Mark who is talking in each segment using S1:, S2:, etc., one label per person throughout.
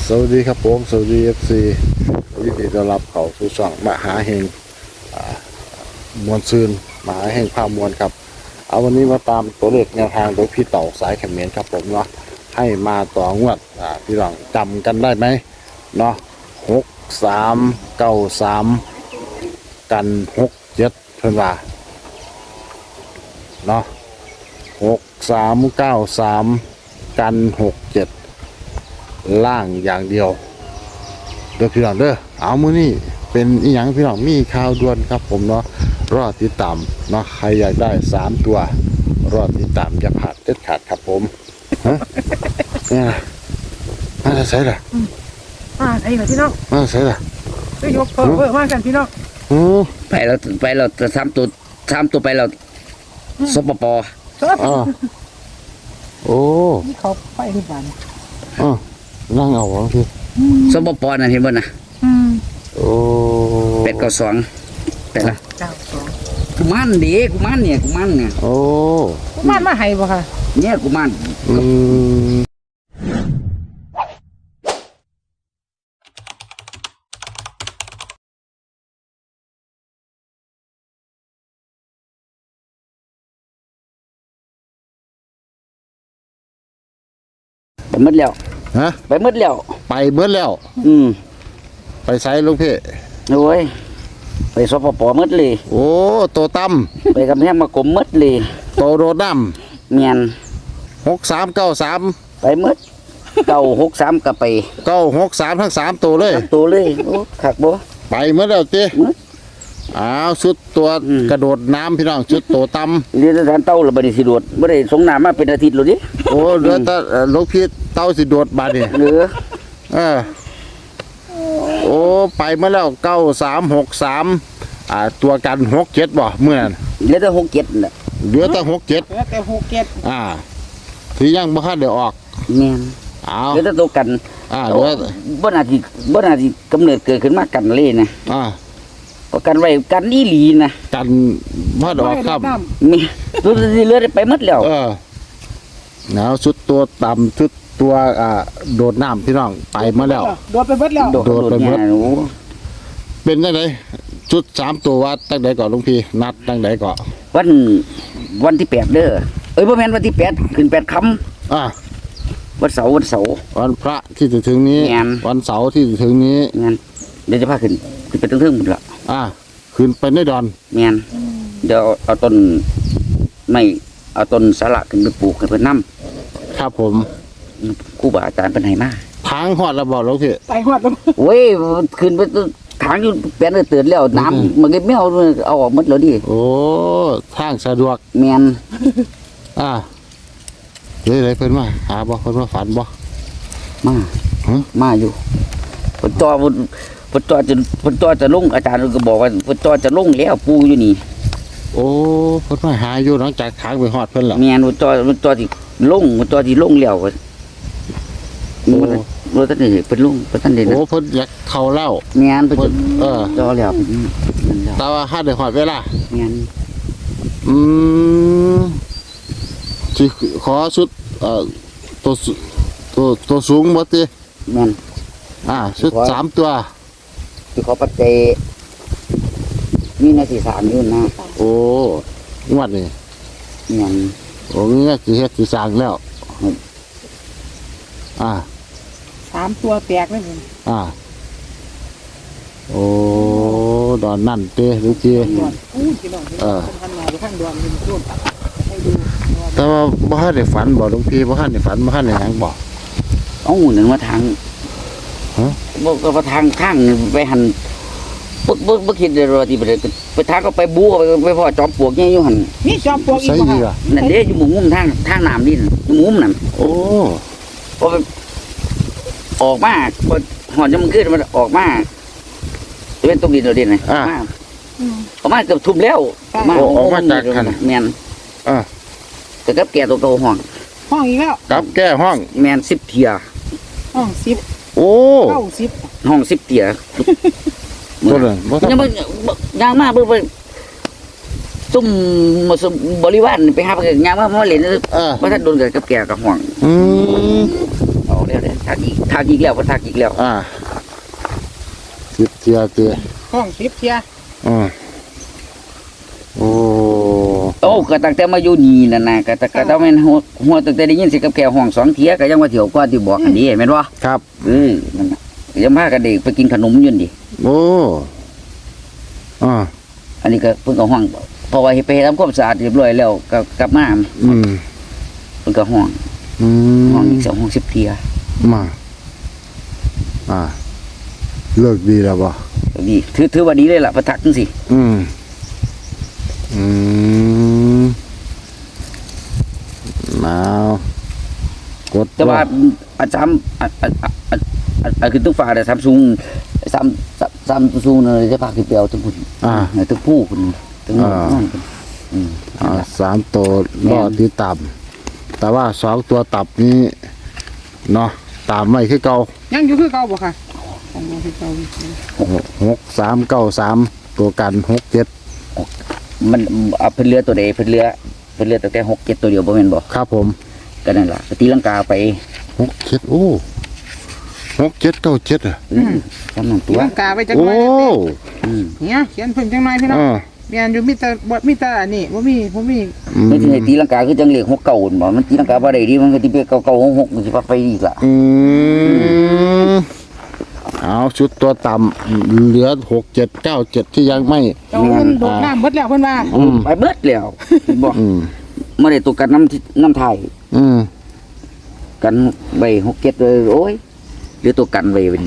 S1: สวัสดีครับผมสวัสดีFCยินดีต้อนรับเข้าสู่ช่องมหาเฮงมวลซืนมหาเฮงภาพมวลครับเอาวันนี้มาตามตัวเลขแนวทางโดยพี่เต่าสายเขมรครับผมเนาะให้มาต่องวดพี่หลังจำกันได้ไหมเนาะ6393กัน67เพิ่นว่าเนาะ6393กัน67ล่างอย่างเดียวเด้อพี่น้องเด้อเอามื้อนี้เป็นอีหยังพี่น้องมีข่าวด่วนครับผมเนาะรอติดตามเนาะใครอยากได้3ตัวรอติดตามอย่าพลาดเด็ดขาดครับผมฮะเนี่ยมาใส่ล่ะ
S2: ไอ้เหรอพี่น้อง
S1: มาใส่ล่ะ
S2: ช่วยยกเพิ่มมากกันพี่น้อง
S3: ไปเราจะทำตัวไปเราสปป
S1: โอ้
S2: นี่เขาไปที่บ้าน
S1: นั่งเอาวะพี่
S3: สปปน่ะเห็นบ่น่ะ
S1: โอ้
S3: 892ไปละ
S2: 92
S3: กุมารเด็กกุมารเนี่ย
S1: โอ้
S2: กุมารมาให้บ่ค่ะ
S3: เนี่ยกุมารไปหมดแล้ว
S1: ฮะ
S3: ไปหมดแล้ว
S1: ไปเบิดแล้วไปไสลูกพี่
S3: โอ้ยไปสปปหมดเลย
S1: โอ้โตตั้ม
S3: ไปกำแพงมากรมหมดเลย
S1: โตโดดน้
S3: ำเมียน
S1: 6393
S3: ไปหมด963ก็ไป
S1: 963ทั้ง3ตัวเลย
S3: ตัวเลยโอ้คักบ่
S1: ไปหมดแล้วติอ้าวชุดตัวกระโดดน้ำพี่น้องชุดโตตั้ม
S3: เรียนสถานเต้าแล้วบ่ได้สิโดดบ่ได้สงน้ำมาเป็นอาทิตย์แล้วดิ
S1: โอ้เรือตาลูกพี่เต้าสิโดดบาดนี่โอ้ไปมาแล้ว9363ตัวกัน67บ่เมื่อนั้น
S3: เหลือแต่67น่ะ
S1: เหลือแต่67ที่ยังบ่ทันได้ออก
S3: แม่นเหลือแต่ตัวกัน
S1: เหลือ
S3: บ่น่าสิกำเนิดเกิดขึ้นมากันเลยนะประกันไว้กันอีหลีนะ
S1: กันบ่ดอกครับ
S3: มีตัวที่เหลือไปหมดแล้ว
S1: หนาวชุดตัวต่ำชุดตัวโดดน้ำพี่น้องไปมาแล้ว
S2: โดดไปเบิดแล้ว
S1: โดดไปเบิดเป็นจังได๋ชุด3ตัววัดตั้งใดก่อนลุงพี่นัดตั้งใดก่อน
S3: วันที่8เด้อบ่แม่นวันที่8ขึ้น8ค่ำวันเสาร์
S1: วันพระที่จะถึงนี้วันเสาร์ที่จะถึงนี้
S3: งั้นเดี๋ยวจะพาขึ้นไปเทิงๆหมดละ
S1: ขึ้นไปในดอน
S3: แม่นเดี๋ยวเอาต้นไม่เอาต้นสาระขึ้นไปปลูกให้เพิ่นนำ
S1: ครับผม
S3: ครูบาอาจารย์เพิ่นให้มา
S1: ทางฮอดแล้วบ่ลูกพี่
S2: ไปฮอดแล้ว
S3: โอ้ยขึ้นไปทางอยู่แปลนตื่นแล้วน้ำมันก็ไม่เอาออกหมดแล้วดิ
S1: โอ้ทางสะดวก
S3: แม่น
S1: เลยเพิ่นมาหาบ่เพิ่นมาฝันบ่
S3: มาอยู่เพิ่นจอจะลงอาจารย์ก็บอกว่าเพิ่นจอจะลงแล้วปูอยู่นี่
S1: โอ้เพิ่นมาหาอยู่หลังจากทางไปฮอดเพิ่นล่ะ
S3: แม่นเพิ่นจอสิลงแล้วรถท่านนี่เพิ่นลงเพิ่นท่านได้
S1: โอ้เพิ่นอยากเข้าแล้ว
S3: แม่นเพิ่นจอแล้ว
S1: แต่ว่าหาได้ฮอดเวลา
S3: แม่น
S1: สิขอชุดตัวสูงบ่ติ
S3: แม่น
S1: ชุด3ตัว
S3: สิขอปัจจัยมีหน้าที่3อยู่นะ
S1: โอ้งวดนี่
S3: แม่น
S1: โอ้นี่สิเฮ็ดสิสร้างแล้ว
S2: 3ตัวแตกเลย
S1: โอ้ดอนนั่นเต้ลูกพี่
S2: พี่น้องทำงานอยู่ข้างดอนรุ่นให้ดู
S1: แต่ว่าบ่ทันได้ฝันบ่ลุงพี่บ่ทันได้ฝันบ่ทันได้หยังบ่
S3: หนึ่งมาทางบ่ว่าทางไปหันบ่คิดเลยว่าที่ไปทางก็ไปบู๊ไปพ่อจอมปลวกใหญ่อยู่หั่น
S2: มีจอมปลวกอีกบ่ค่ะ
S3: นั่นเด้อยู่หมู่มุมทางน้ำนี่หมู่มุมนั่น
S1: โอ้
S3: พอออกมาหอดมันขึ้นมันออกมาเป็นตรงดินเราดินไงออกมาเกือบทุ่มแล้ว
S1: ออกมาจากขัน
S3: แมนแต่กับแก่ตัวโตห้อง
S2: อีกแล้ว
S1: กับแก่ห้อง
S3: แมน10 เทีย
S2: ห้อง10
S1: โอ้
S3: 90ห้อง10 เทีย
S1: ตัวนึง
S3: ยังมาเบิ่งซุ่มบริวารไปหาไปงานมาเล่นว่าท่านโดนกับแก่กับห้องเอาแล้วเด้อทักอีกแล้วบ่ทักอีกแล้ว
S1: 10เทียเตีย
S2: ห้อง10เที่ย
S1: อืมโอ้
S3: โอ้ก็ตั้งแต่มาอยู่นี่นั่นน่ะก็ต้องแม่นหัวตั้งแต่ได้ยินเสียงกับแก่ห้อง2เที่ยก็ยังว่าเที่ยวก่อนที่บอกอันนี้แม่นบ่
S1: ครับ
S3: นั่นน่ะยังพากันเด็กไปกินขนมอยู่นี่
S1: โอ้อ่า
S3: อันนี้ก็เพิ่นก็ห้องเพราะว่าเฮ็ดไปทำความสะอาดเรียบร้อยแล้วก็กลับมา
S1: อืม
S3: เพิ่นก็ห้องอีก2ห้อง10เที่ย
S1: มาเลิกดีแล้วบ่
S3: ดีถือว่าดีเลยล่ะประทักจังซี่
S1: อืมมากด
S3: แต่ว่าอาจารย์คือต้องฝากแต่ซัมซุงเนี่ยจะฝากคือเปียวทั้งพุ่นทั้งผู้พุ่นทั้งน้องพุ่น
S1: 3 ตัวรอที่ต่ำแต่ว่า2 ตัวตับนี้เนาะตามไม่คือเก่า
S2: ยังอยู่คือเก่าบ่ค่ะยังอยู่คือเก่าอยู่
S1: 6 3 9 3ตัวกัน6 7
S3: มันเอาเพิ่นเรือตัวใดเพิ่นเรือตั้งแต่6 7ตัวเดียวบ่แม่นบ่
S1: ครับผม
S3: ก็นั่นล่ะตีลังกาไป
S1: 6 7โอ้6 7 9 7อ่ะ
S3: จำนั่นตัว
S2: ร่างกายไว้จัง
S1: โอ้
S2: ไว้เนี่ยเขียนเพิ่นจังไว้พี่น้องเมียนอยู่มีแต่อันนี้บ่มี
S3: ไม่ใช่ตีลังกาคือจังเลข6 9บ่มันตีลังกาบ่ได้ดิมันก็สิไป9 9 6 6มันสิไปอีกล่ะ
S1: เอาชุดตัวต่ำเหลือ6 7 9 7ที่ยังไม่
S2: เจ้าเพิ่นโดดน้ำเบิดแล้วเพิ่นว่า
S3: ไปเบิดแล้วบ่บ่ได้ตัวกันน้ำไทย กันใบ6 7เลยโอ้ยเหลือตัวกันไว้เป็น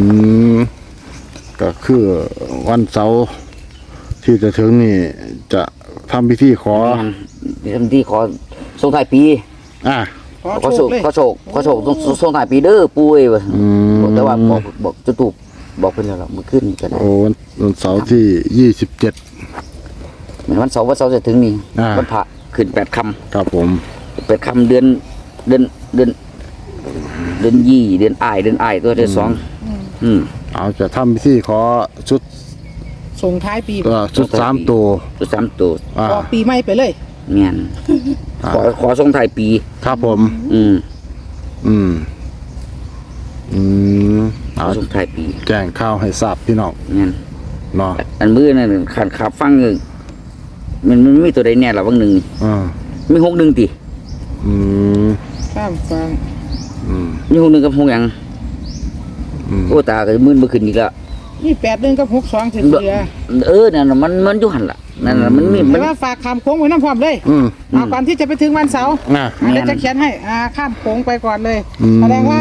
S1: ก็คือวันเสาร์ที่จะถึงนี่จะทำพิธีขอ
S3: ทำที่ขอส่งท้ายปี
S2: ขอโชคเลย
S3: ขอโชคส่งท้ายปีเด้อปุ้ยว่าแต่ว่าบอกจุตุบอกเพิ่นแล้วล่ะมื้อขึ้นก็ได้
S1: โอ้วันเสาร์ที่27
S3: เหมือนวันเสาร์จะถึงนี่วันพระขึ้น8ค่ำ
S1: ครับผม
S3: 8ค่ำเดือนยี่เดือนอ้ายตัวเดือน2
S1: เอาจะทำพิธีขอชุด
S2: ส่งท้ายปี
S1: ชุด3 ตัว
S3: ตัว3ตัว
S2: ออกปีใหม่ไปเลย
S3: แม่นขอส่งท้ายปี
S1: ครับผม
S3: ขอส่งท้ายปี
S1: แจ้งข่าวให้ทราบพี่น้อง
S3: แม่น
S1: เนาะ
S3: อันมื้อนั่นขับฟังมันมีตัวใดแน่ล่ะบางหนึงมี61ติ
S2: ข้ามฟัง
S3: มี61กับ6หยังโอ้ตาก็มึนบ่ขึ้นอีกแล้ว
S2: นี่81กับ62สิเหลือ
S3: นั่นน่ะมันอยู่หั่นล่ะนั่นน่ะมันมี
S2: แต่ว่าฝากข้ามโค้งไว้น้ำพร้อมเลยก่อนที่จะไปถึงวันเสาร์เดี๋ยวจะเขียนให้ข้ามโค้งไปก่อนเลยแสดงว่า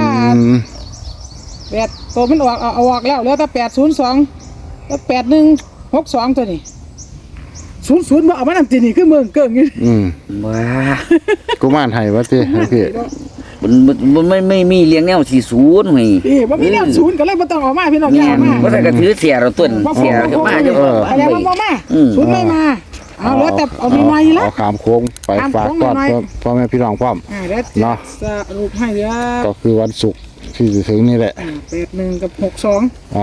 S2: ตัวมันออกแล้วเหลือแต่802แล้ว8162ตัวนี้00บ่เอามานำตีนี่คือเมืองเกิ่งอยู่
S3: ว้า
S1: กุมารให้ว่าติพี่
S3: มันไม่มีเลี้ยงแนว40เฮ้ย
S2: บ่มีแนวศูนย์ก็เลยบ่ต้องออกมาพี่น้องอย่ามา
S3: บ่ได้ก็ถือเสียเราต้นเสียก็มาอยู่
S2: อะไรว่าบ่มาศูนย์ไม่มาเอาแล้วแต่เอามีมาแล้ว
S1: เอาขามโค้งไปฝากต้อนพ่อแม่พี่น้องพร้อม
S2: เดี๋ยวสรุปให้เดี๋ยว
S1: ก็คือวันศุกร์ที่จะถึงนี่แหละ
S2: 81กับ62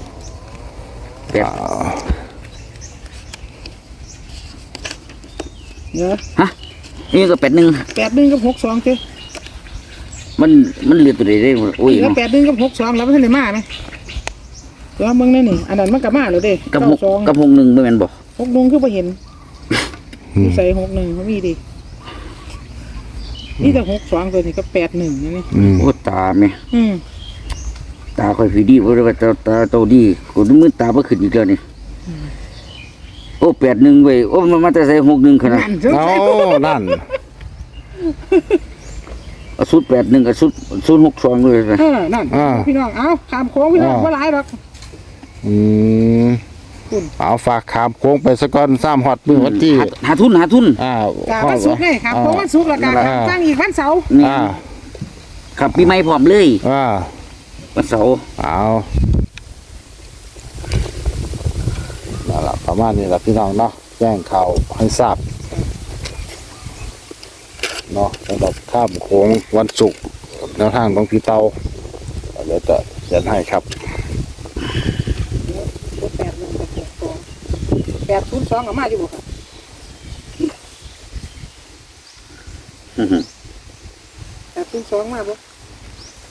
S2: เดี๋ยว
S3: ฮะนี่ก็
S2: 81กับ62เจ้
S3: มันเหลือตัวใดได้โอ้ย
S2: แล้ว81กับ62แล้วมันทันได้มาไหมตัวมึงนั่นนี่อันนั้นมันก็มาแล้วเด้
S3: กับ61บ่แม่นบ่
S2: 61คือบ่เห็นใส่61เขามีดินี่แต่62ตัวนี้ก็81นั่นนี่
S3: โอ้ตาแม่ ตาค่อยผีดีบ่ได้ว่าตาโตดีกูมือตาบ่ขึ้นอีกแล้วนี่โอ้81เว้ยโอ้มันมาแต่ใส่61ขนาด
S1: เอานั่น
S3: เอาสุด81กับสุด62เลยนะ
S2: นั่นพี่น้องเอาขามโค้งพี่น้องบ่หลายหรอก
S1: เอาฝากขามโค้งไปสักก้อน3ฮอดมื้อวันที่
S3: หาทุน
S2: กะวันศุกร์ไงขามโค้งวันศุกร์แล้วกะตั้งอีกวันเสาร์
S3: ครับปีใหม่พร้อมเลยวันเสาร์
S1: เอานั่นล่ะประมาณนี้ล่ะพี่น้องเนาะแจ้งข่าวให้ทราบเนาะสำหรับข้ามโค้งวันศุกร์แนวทางของพี่เตาเดี๋ยวจะเขียนให้ครับ
S2: 802ก็มาอยู่บ่ครับ802มาบ่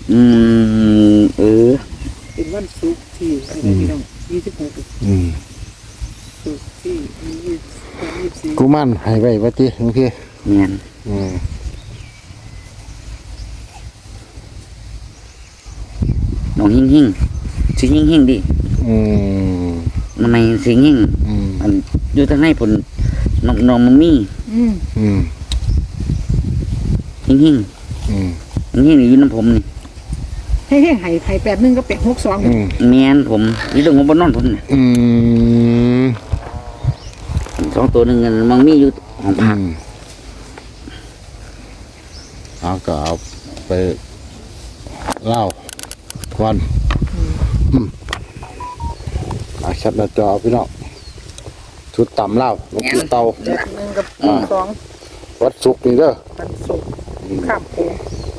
S2: เป็นวันศุกร์ที่อะไรพี่น้อง26
S1: อืม
S2: ศุกร์ที่24
S1: กูมั่นให้ไว้ว่าติบางที
S3: เนียน
S1: อืม
S3: น้องหิ่งสิหิ่งดิ
S1: อืม
S3: ทำไมสิหิ่ง
S1: อืม
S3: อันอยู่ทางในผลน้องมันมี
S2: อืม
S1: อืม
S3: หิ่ง
S1: อืม
S3: นี่อยู่น้ำผมนี่
S2: ให้ไห้81กับ62
S1: อืม
S3: เมียนผมอยู่ตรงหัวบนนอนผมนี่
S1: อืม
S3: 2 ตัวหนึ่งมันมีอยู่ของผัก
S1: เอาก็เอาไปเล่าวันอาชัดหน้าจอพี่น้องชุดต่ำเล่าลูกพี่เตา
S2: 81กับ2
S1: วัดสุกร์นี่เด้อ
S2: วันศุกร์ข้ามโขง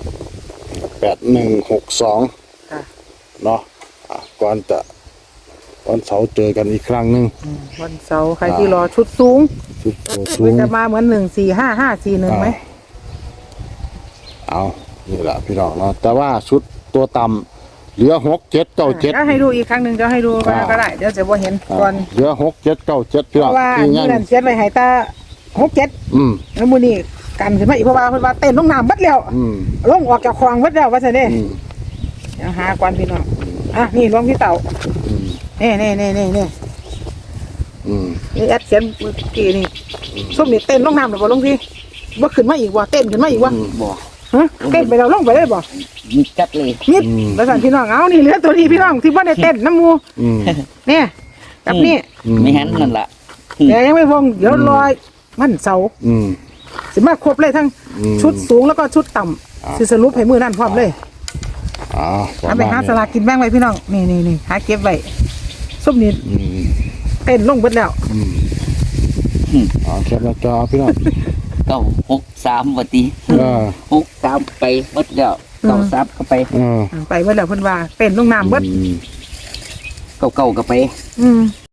S1: 8162
S2: ค่ะ
S1: เนาะก่อนจะวันเสาร์เจอกันอีกครั้งหนึ่ง
S2: วันเสาร์ใครที่รอชุดสูง
S1: ชุดตัวสู
S2: มัน
S1: ง
S2: จะมาเหมือน14551ไหม
S1: เอานี่แหละพี่น้องเนาะแต่ว่าชุดตัวต่ำเหลือ6 7 9 7
S2: เดี๋ยวให้ดูอีกครั้งหนึ่งจะให้ดูมาก็ได้เดี๋ยวจะบ่เห็นก่อน
S1: เหลือ6 7 9 7พี่
S2: เพ
S1: น้อง
S2: ราะว่า
S1: ที่
S2: มื้
S1: ยั
S2: อง นั้นเขียนไว้ให้ตา67
S1: อืม
S2: แล้วมื้อนี้กันขึ้นมาอีกเพราะว่าเพิ่นว่าเต้นลงน้ำเบัดแล้ว
S1: อืม
S2: ลงออกจากคลองเบัดแล้วว่าซั่นเด้
S1: อืม
S2: เดี๋ยวหาก่อนพี่น้องอ่ะนี่หลวงพี่เต่า
S1: อืม
S2: นี่
S1: อืม
S2: นี่แอดเขียนเมื่อกี้นี่ส้มนี่เต้นลงน้ำหรือบ่ลงพี่บ่ขึ้นมาอีกว่ะเต้นขึ้นมาอีกว่ะ
S3: บ่
S2: ฮะเต้นไปแล้วลงไปเลยบ่
S3: มีจัดเลย
S2: นิดแล้วสั่นพี่น้องเอานี่เหลือตัวนี้พี่น้องที่บ่ได้เต้นน้ำหมู
S1: อืม
S2: เนี่ยกับนี่
S3: ไม่หันนั่นล่ะ
S2: แต่ยังไม่วงเดี๋ยวรอยมันเสาร์
S1: อืม
S2: สิมาครบเลยทั้ง
S1: อืม
S2: ชุดสูงแล้วก็ชุดต่ำสิสรุปให้มือนั่นพร้อมเลย
S1: อ่า
S2: เอาไปหาสลากกินแบ่งไว้พี่น้องนี่หาเก็บไว้ส้มนี่
S1: อืม
S2: เต้นลงเบิดแล้ว
S1: แคปหน้าจอพี่น้อง
S3: 963บ่ติ 63ไปหมดแล้ว93ก็ไป
S2: ไปเบิดแล้วเพิ่นว่าเต้นลงน้ำเบิด
S3: เก่าๆก็ไป
S2: อืม